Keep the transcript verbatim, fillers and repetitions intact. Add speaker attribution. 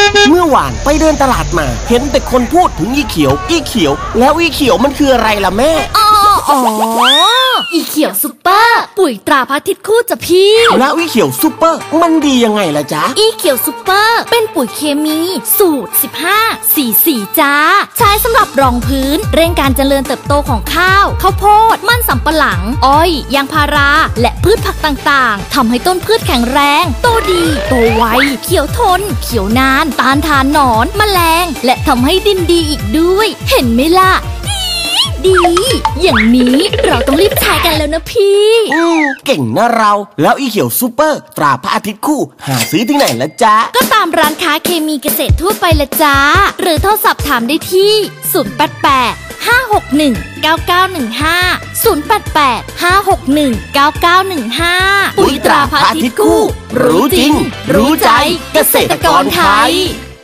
Speaker 1: เมื่อวานไปเดินตลาดมาเห็นแต่คนพูดถึงอีเขียวอีเขียวแล้วอีเขียวมันคืออะไรล่ะแม่
Speaker 2: อ๋ออ๋ออีเขียวซุปเปอร์ปุ๋ยตราพระอาทิตย์คู่จ้ะพี่
Speaker 1: แล้วอีเขียวซุปเปอร์มันดียังไงล่ะจ๊ะ
Speaker 2: อีเขียวซุปเปอร์เป็นปุ๋ยเคมีสูตรสิบห้า สี่สิบสี่จ้าใช้สำหรับรองพื้นเร่งการเจริญเติบโตของข้าวข้าวโพดมันสำปะหลังอ้อยยางพาราและพืชผักต่างๆทำให้ต้นพืชแข็งแรงโตดีโตไวเขียวทนเขียวนานต้านทานหนอนแมลงและทำให้ดินดีอีกด้วยเห็นไหมล่ะดีอย่างนี้เราต้องรีบใช้กันแล้วนะพี่
Speaker 1: อืมเก่งนะเราแล้วอีเขียวซูเปอร์ตราพระอาทิตย์คู่หาซื้อที่ไหนละจ๊ะ
Speaker 2: ก็ตามร้านค้าเคมีเกษตรทั่วไปละจ้าหรือโทรศัพท์ถามได้ที่ศูนย์ แปด แปด ห้า หก หนึ่ง เก้า เก้า หนึ่ง ห้า ศูนย์ แปด แปด ห้า หก หนึ่ง เก้า เก้า หนึ่ง ห้าปุ๋ยตราพระอาทิตย์คู่รู้จริงรู้ใจเกษตรกรไทย